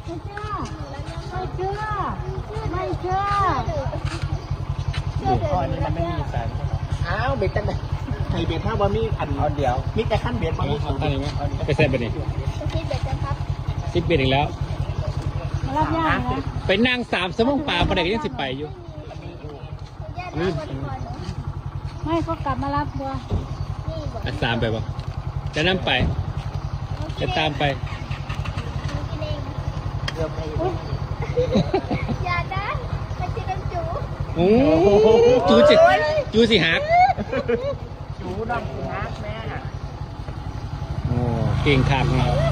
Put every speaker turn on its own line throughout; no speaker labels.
ไม่เชื่อไม่เชื่อไม่เชื่อ
ก้อนนี้มันไม่มีแสงอ้าวเบ็ดกันเลยไอเบ็ดถ้าว่ามีอันเดียวมีแต่ขั้นเบ็ดมันมีสูง
ไปเซ็ตไปนี่
คิดเบ็ดกันครับ
10 เบ็ดอีกแล้ว
มารับย่างนะ
ไปนั่ง3 ชั่วโมงป่าประเด็กยังสิไปอยู่
ญาติรับวันก่อน
ไม่เขากลับมารับบัว
นี่บอก
อ่ะ3ไปบ่จะนั่งไปจะตามไป
กินเอง
เกือบไป
อย่าดันมันจะเป็นจู
โอ้จูสิหัก
จูน้ำกูฮักแม่
โอ้เก่งขับเนาะ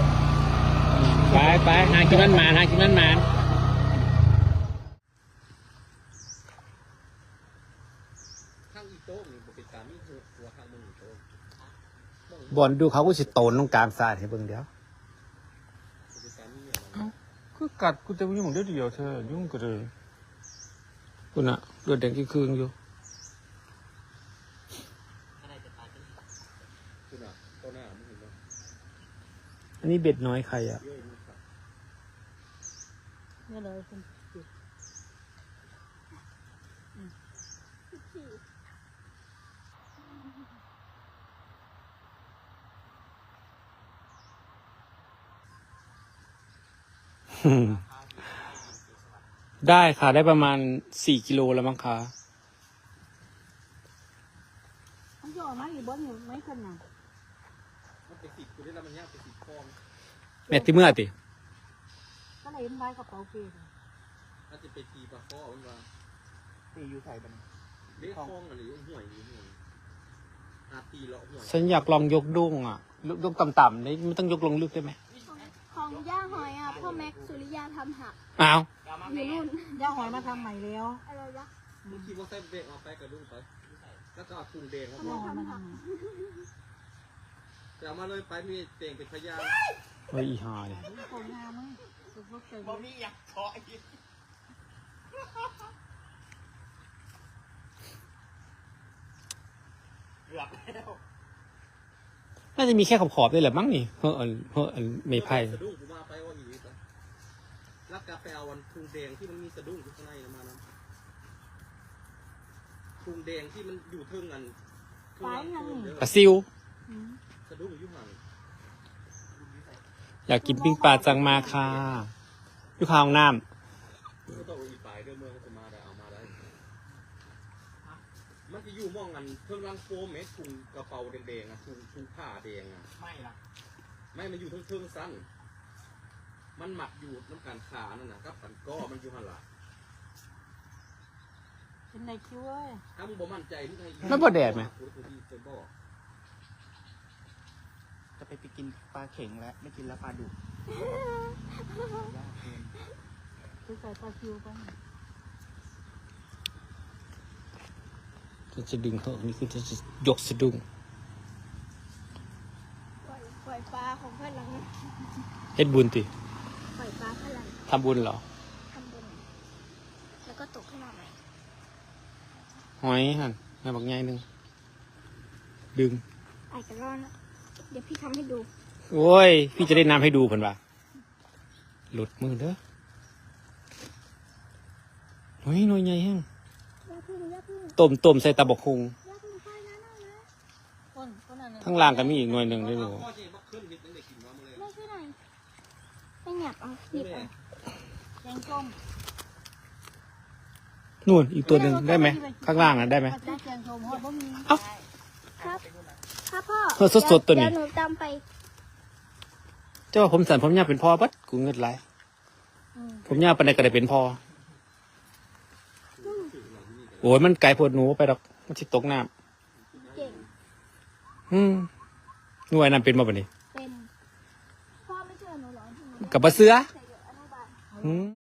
ไปหากินมันมาหากินมันมาบอลดูเขาก็สิโตนตรงกลางสายให้เบิ่งเดียวคือกัดกูจะยุ่งเดียวเธอยุ่งก็เลยกูน่ะเลือดแดงกี่คืนอยู่อันนี้เบ็ดน้อยใครอ่ะ
นี่เลยคุณ
ได้ค่ะได้ประมาณ4 กิโลแล้วมั้งคะ
มันจะออกมาอีกบ่อยู่ไม่ขนาด
แม่ที่เมื่อติ
ก็เลยไว้กระเป๋าเกลือ
ถ้าจะไปตีปลาข้อมันว่า
ตีอยู่ไทยมัน
เลี้ยงคล้องอะไรห่วยอาตีเลาะห่วย
ฉันอยากลองยกดุ้งอ่ะยกต่ำๆนี่ไม่ต้องยกลงลึกได้ไหม
ของย่าหอยอ่ะพ่อแม็กสุริยาทำหัก
อ้าว
อยู่นู่น
ย่าหอยมาทำใหม่แล้ว
อะไรวะ
มึงคิดว่าใส่เบรกเอาไปกระดุ้งไปแล้วก็เอาถุงแดงเข้า
ย่า
มา
หอยมาทำใหม่
แต่เอามาเลยไปมีเต่งเป็นพยาน
เฮ้ยอีหาย
ของงามมั้งสุดพวกเตย
บ่มีอยากขออีกเกือบแล้ว
น่าจะมีแค่ขอบๆด้วยแหละมั้งนี่เพราะไม่ไพ่
สะดุ้งกูมาไปว่าอีกแล้วกาแฟเอาวันถุงแดงที่มันมีสะดุ้งอยู่ข้างในมานะถุงแดงที่มันอยู่เทิงกัน
ปลาซิว
สะดุ้งอยู่ห่าง
อยากกินปิ้งปลาจังมาค่ะอยู่ข้างห้องน้
ก็ต้องอีปลายเดิมเมืองจะมาได้เอามาได้มันจะอยู่มองกันเทิงรังโฟมเมสถุงกระเป๋าแดงๆอ่ะถุงผ้าแดงอ่ะ
ไม่ละ
ไม่มันอยู่เทิงสั้นมันหมักอยู่น้ำการขานั่นน่ะครับกันก็มันอยู่หันหลัง
เป็นในคิ้วเว้ย
ถ้ามึงบ่มั่นใจมึงให้
ำไม่บ่แดดไหม
จะไปกินปลาเข็งแล้วไม่กินแล้วปลาดุก
คือใส่ปลาคิ้วไป
จะดึงเหอะนี่คือจะยกสะดุ้ง
ปล่อยปลาของพลัง
เฮ็ดบุญติ
ปล่อยปลาพลัง
ทำบุญเหรอ
ทำบุญแล้วก็ตกขึ้นมาใหม่
หอยหั่นแม่บักใหญ่หนึงดึง
ไอ้กระรอนนะเดี๋ยวพี่ทำให้ดู
โอ้ย พี่จะได้น้ำให้ดูเพิ่นว่าหลุดมือเด้อเฮ้ยหน่วยใหญ่แฮง
ย่าพึ่งย่าพึ่ง
ต้มใส่ตะบกคุง
ย่าพึ่งไปนะนั่นนะ
ต้นนั้น
ข้างล่างก็มีอีกหน่วยหนึ่งด้วยหนู
พ่อเจ๊บักขึ้นเห็ดตั้งแต่กินมาเลย
ไม่ช่วยหน่อยไม่หยับเอาหยิบเอา
แกงส้ม
นู่นอีกตัวหนึ่งได้ไหมข้างล่างน่ะได้ไหม
ได้แกงส้มฮอดบ่มี
เอ้า
ครับครับพ่อ
เออสดๆตัวนี้
เดี๋ยวหนูตามไป
เจ้าว่าผมสันผมยาวเป็นพ่อบัดกูเงินไหลผมยาวปานใดก็ได้เป็นพ่อโอ้ยมันไกลโพดหนูไปดอกมันสิตกน้
เก่ง
ำหน่วยนั้นเป็นมาบัดนี้
เป็นพ่อไม่เชื่อหนูเหรอ
กับปลาเสือ
ใส่เดี๋ยวอนุบาล
อืม